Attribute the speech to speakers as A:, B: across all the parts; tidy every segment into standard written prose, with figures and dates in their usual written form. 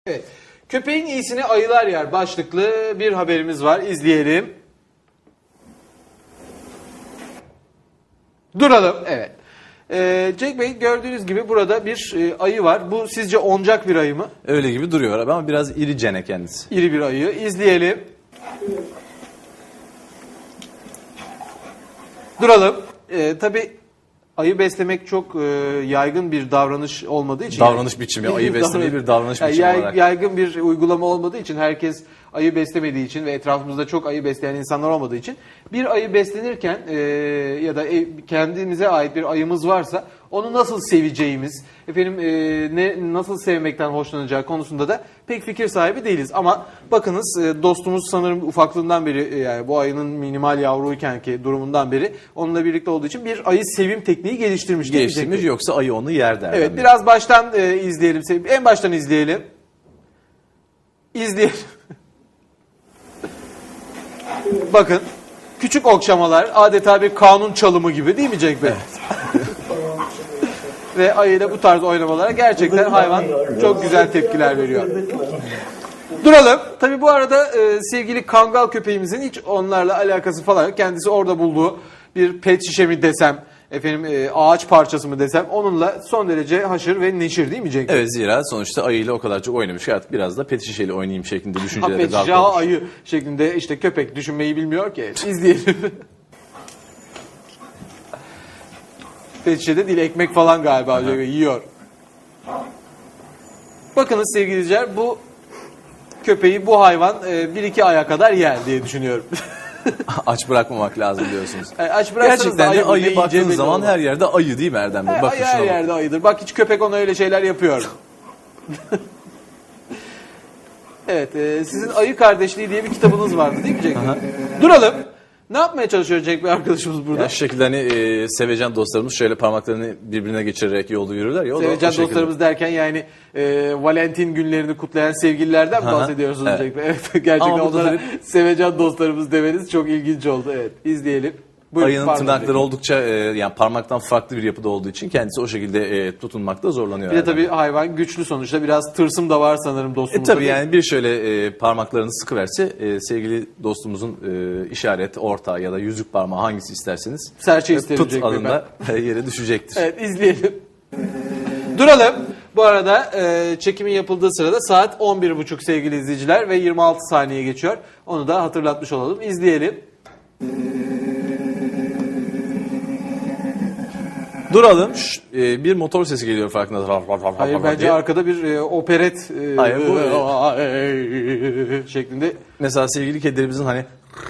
A: Evet. Köpeğin iyisini ayılar yer başlıklı bir haberimiz var. İzleyelim. Duralım. Evet. Cenk Bey, gördüğünüz gibi burada bir ayı var. Bu sizce oncak bir ayı mı?
B: Öyle gibi duruyor abi ama biraz iricene kendisi.
A: İri bir ayı. İzleyelim. Duralım. Tabii ayı beslemek çok yaygın bir davranış olmadığı için.
B: Davranış biçimi, ayı beslemeyi bir davranış biçimi olarak.
A: Yaygın bir uygulama olmadığı için, herkes ayı beslemediği için ve etrafımızda çok ayı besleyen insanlar olmadığı için bir ayı beslenirken ya da kendimize ait bir ayımız varsa onu nasıl seveceğimiz, nasıl sevmekten hoşlanacağı konusunda da pek fikir sahibi değiliz. Ama bakınız, dostumuz sanırım ufaklığından beri, yani bu ayının minimal yavruyken ki durumundan beri onunla birlikte olduğu için bir ayı sevim tekniği geliştirmiş.
B: Yoksa ayı onu yer der.
A: Evet, biraz baştan izleyelim. En baştan izleyelim. İzleyelim. Bakın, küçük okşamalar adeta bir kanun çalımı gibi, değil mi Cenk Bey? Evet. Ve ayıyla bu tarz oynamalara gerçekten hayvan çok güzel tepkiler veriyor. Duralım. Tabii bu arada sevgili kangal köpeğimizin hiç onlarla alakası falan yok. Kendisi orada bulduğu bir pet şişe mi desem, ağaç parçası mı desem, onunla son derece haşır ve neşir, değil mi Cenk?
B: Evet, zira sonuçta ayıyla o kadar çok oynamış ki artık biraz da pet şişeyle oynayayım şeklinde düşüncelere
A: pet şişe
B: dalmış.
A: ayı şeklinde, işte köpek düşünmeyi bilmiyor ki. İzleyelim. Pet şişede değil, ekmek falan galiba yiyor. Bakınız sevgili izleyiciler, bu köpeği bu hayvan 1-2 aya kadar yer diye düşünüyorum.
B: Aç bırakmamak lazım diyorsunuz.
A: Aç
B: gerçekten de ayı baktığınız zaman her yerde ayı, değil mi Erdem Bey?
A: Bakın, her yerde ayıdır. Bak, hiç köpek ona öyle şeyler yapıyor. Evet, sizin Ayı Kardeşliği diye bir kitabınız vardı, değil mi Cenk Bey? Duralım. Ne yapmaya çalışıyor Cenk Bey arkadaşımız burada?
B: Ya şu şekilde sevecen dostlarımız şöyle parmaklarını birbirine geçirerek yolda yürürler ya.
A: Sevecen dostlarımız derken yani Valentin günlerini kutlayan sevgililerden mi bahsediyorsunuz
B: evet.
A: Cenk Bey? Evet, gerçekten onlara sevecen dostlarımız demeniz çok ilginç oldu. Evet, izleyelim. Buyurun,
B: ayının tırnakları oldukça yani parmaktan farklı bir yapıda olduğu için kendisi o şekilde tutunmakta zorlanıyor.
A: Bir de tabii hayvan güçlü sonuçta, biraz tırsım da var sanırım dostumuzda.
B: Tabii yani bir şöyle parmaklarını sıkıverse sevgili dostumuzun işaret, orta ya da yüzük parmağı hangisi isterseniz
A: serçe isterim
B: tut adında yere düşecektir.
A: Evet, izleyelim. Duralım. Bu arada çekimin yapıldığı sırada saat 11.30 sevgili izleyiciler ve 26 saniye geçiyor. Onu da hatırlatmış olalım. İzleyelim.
B: Duralım. Bir motor sesi geliyor farkında.
A: Hayır, bence arkada bir operet
B: Hayır, bu
A: şeklinde.
B: Mesela sevgili kedilerimizin hani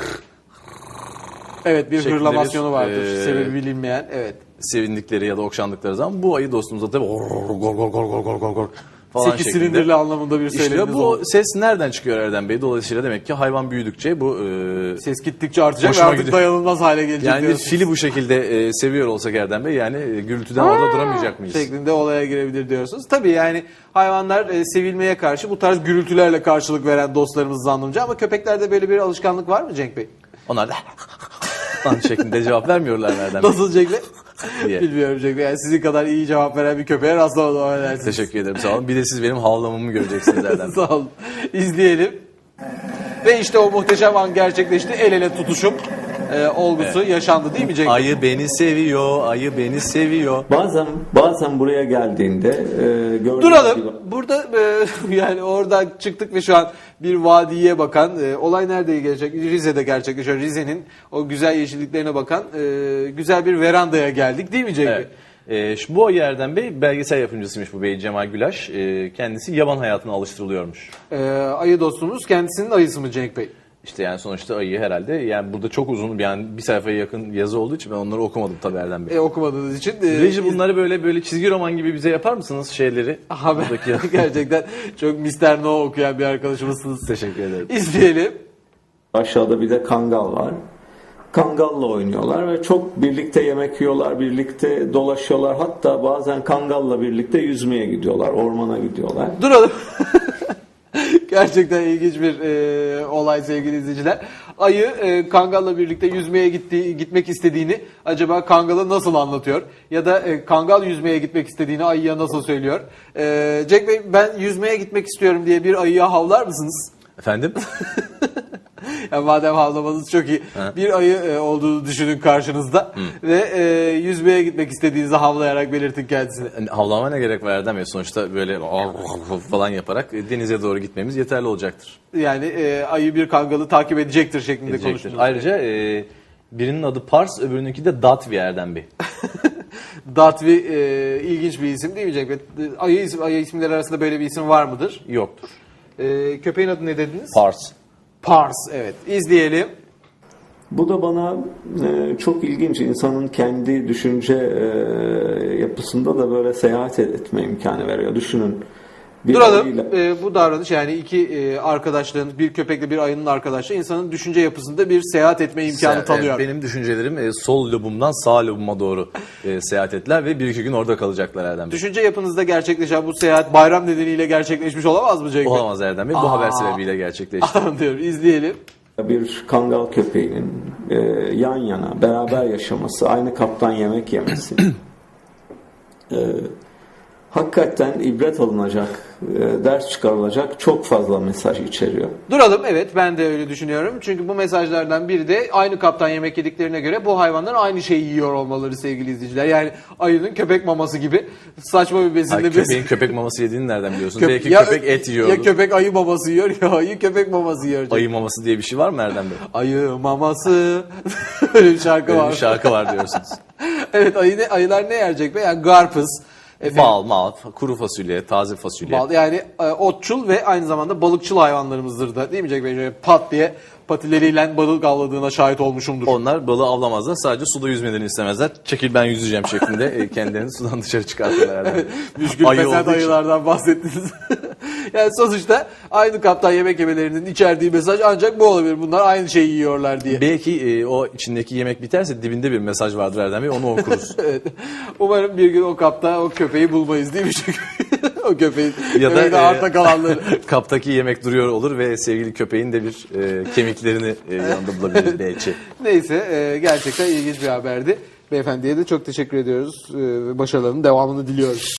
A: evet, bir hırlamasyonu
B: bir,
A: vardır. Sebebi bilinmeyen. Evet.
B: Sevindikleri ya da okşandıkları zaman bu ayı dostumuza tabii gor falan
A: 8
B: şeklinde.
A: silindirli anlamında bir söylemimiz
B: bu
A: oldu.
B: ses nereden çıkıyor Erdem Bey? Dolayısıyla demek ki hayvan büyüdükçe bu
A: ses gittikçe artacak ve
B: hoşuma
A: artık
B: gidiyor.
A: dayanılmaz hale gelecek.
B: Yani bir
A: diyorsunuz.
B: fili bu şekilde seviyor olsak Erdem Bey, yani gürültüden orada duramayacak mıyız?
A: Şeklinde olaya girebilir diyorsunuz. Tabii yani hayvanlar sevilmeye karşı bu tarz gürültülerle karşılık veren dostlarımız zannımca, ama köpeklerde böyle bir alışkanlık var mı Cenk Bey?
B: Onlar da şeklinde cevap vermiyorlar Erdem Bey.
A: Nasıl Cenk Bey?
B: diye.
A: Bilmiyorum Cenk Bey. Yani sizin kadar iyi cevap veren bir köpeğe rastlamadım.
B: Teşekkür ederim, sağ olun. Bir de siz benim havlamamı göreceksiniz Erdem Bey.
A: Sağ olun. İzleyelim. Ve işte o muhteşem an gerçekleşti. El ele tutuşup olgusu yaşandı, değil mi Cenk Bey?
B: Ayı beni seviyor, ayı beni seviyor.
C: Bazen buraya geldiğinde gördüğünüz
A: Duralım.
C: gibi...
A: Burada yani oradan çıktık ve şu an bir vadiye bakan, olay nerede gerçekleşiyor? Rize'de gerçekleşiyor. Rize'nin o güzel yeşilliklerine bakan güzel bir verandaya geldik, değil mi Cenk Bey?
B: Evet. Bu ayı Erdem Bey belgesel yapımcısıymış bu bey, Cemal Gülaş. Kendisi yaban hayatına alıştırılıyormuş.
A: Ayı dostumuz kendisinin ayısı mı Cenk Bey?
B: İşte yani sonuçta ayı herhalde, yani burada çok uzun, yani bir sayfaya yakın yazı olduğu için ben onları okumadım tabii Erdem Bey.
A: Okumadığınız için.
B: Reji, bunları böyle çizgi roman gibi bize yapar mısınız şeyleri?
A: Buradaki... Gerçekten çok Mr. No okuyan bir arkadaşımızsınız.
B: Teşekkür ederim.
A: İzleyelim.
C: Aşağıda bir de kangal var. Kangalla oynuyorlar ve çok birlikte yemek yiyorlar, birlikte dolaşıyorlar. Hatta bazen kangalla birlikte yüzmeye gidiyorlar, ormana gidiyorlar.
A: Duralım. Gerçekten ilginç bir olay sevgili izleyiciler. Ayı Kangal'la birlikte yüzmeye gitmek istediğini acaba Kangal'a nasıl anlatıyor? Ya da Kangal yüzmeye gitmek istediğini ayıya nasıl söylüyor? Cenk Bey, ben yüzmeye gitmek istiyorum diye bir ayıya havlar mısınız?
B: Efendim?
A: Yani madem havlamanız çok iyi.
B: Ha.
A: Bir ayı olduğunu düşünün karşınızda ve yüzmeye gitmek istediğinizi havlayarak belirtin kendisine.
B: Yani havlama ne gerek var Erdem Bey? Sonuçta böyle falan yaparak denize doğru gitmemiz yeterli olacaktır.
A: Yani ayı bir Kangal'ı takip edecektir şeklinde
B: Edecektir.
A: konuştunuz.
B: Ayrıca birinin adı Pars, öbürününki de Datvi Erdem Bey.
A: Datvi ilginç bir isim değil mi Cenk Bey? Ayı isimleri arasında böyle bir isim var mıdır?
B: Yoktur.
A: Köpeğin adı ne dediniz?
B: Pars.
A: Pars, evet. İzleyelim.
C: Bu da bana çok ilginç. İnsanın kendi düşünce yapısında da böyle seyahat etme imkanı veriyor. Düşünün. Bir
A: Duralım.
C: ayıyla-
A: Bu davranış, yani iki arkadaşlığın, bir köpekle bir ayının arkadaşlığı insanın düşünce yapısında bir seyahat etme imkanı tanıyor.
B: Benim düşüncelerim sol lobumdan sağ lobuma doğru seyahat ettiler ve 1-2 gün orada kalacaklar Erdem Bey.
A: Düşünce yapınızda gerçekleşen bu seyahat bayram nedeniyle gerçekleşmiş olamaz mı Cenk Bey?
B: Olamaz Erdem Bey. Bu haber sebebiyle gerçekleşti.
A: Anlıyorum. İzleyelim.
C: Bir Kangal köpeğinin yan yana beraber yaşaması, aynı kaptan yemek yemesi hakikaten ibret alınacak, ders çıkarılacak çok fazla mesaj içeriyor.
A: Duralım, evet, ben de öyle düşünüyorum. Çünkü bu mesajlardan biri de aynı kaptan yemek yediklerine göre bu hayvanlar aynı şeyi yiyor olmaları sevgili izleyiciler. Yani ayının köpek maması gibi saçma bir besinle
B: Hayır, köpeğin köpek maması yediğini nereden biliyorsun? Belki
A: ya,
B: köpek et yiyor.
A: Ya köpek ayı maması yiyor ya ayı köpek maması yiyor.
B: Ayı maması diye bir şey var mı Erdem Bey?
A: Ayı maması. Öyle bir şarkı
B: Öyle
A: var.
B: bir şarkı var diyorsunuz.
A: Evet, ayılar ne yerecek be? Yani karpuz.
B: Bal, mal, kuru fasulye, taze fasulye.
A: Bal, yani otçul ve aynı zamanda balıkçıl hayvanlarımızdır da, değil mi Cenk Bey? Şöyle pat diye patileriyle balık avladığına şahit olmuşumdur.
B: Onlar balığı avlamazlar. Sadece suda yüzmelerini istemezler. Çekil ben yüzeceğim şeklinde kendilerini sudan dışarı çıkartırlar Erdem Bey.
A: Müşkül
B: Ayı
A: fesat
B: olduğu için.
A: ayılardan bahsettiniz. Yani sonuçta aynı kaptan yemek yemelerinin içerdiği mesaj ancak bu olabilir. Bunlar aynı şeyi yiyorlar diye.
B: Belki o içindeki yemek biterse dibinde bir mesaj vardır Erdem Bey. Onu okuruz.
A: Evet. Umarım bir gün o kapta o köpeği bulmayız, değil mi? Çünkü o köpeğin
B: Ya da
A: köpeğin de arta kalanları.
B: kaptaki yemek duruyor olur ve sevgili köpeğin de bir kemiklerini yanında bulabiliriz belki.
A: Neyse, gerçekten ilginç bir haberdi. Beyefendiye de çok teşekkür ediyoruz. Başarılarının devamını diliyoruz.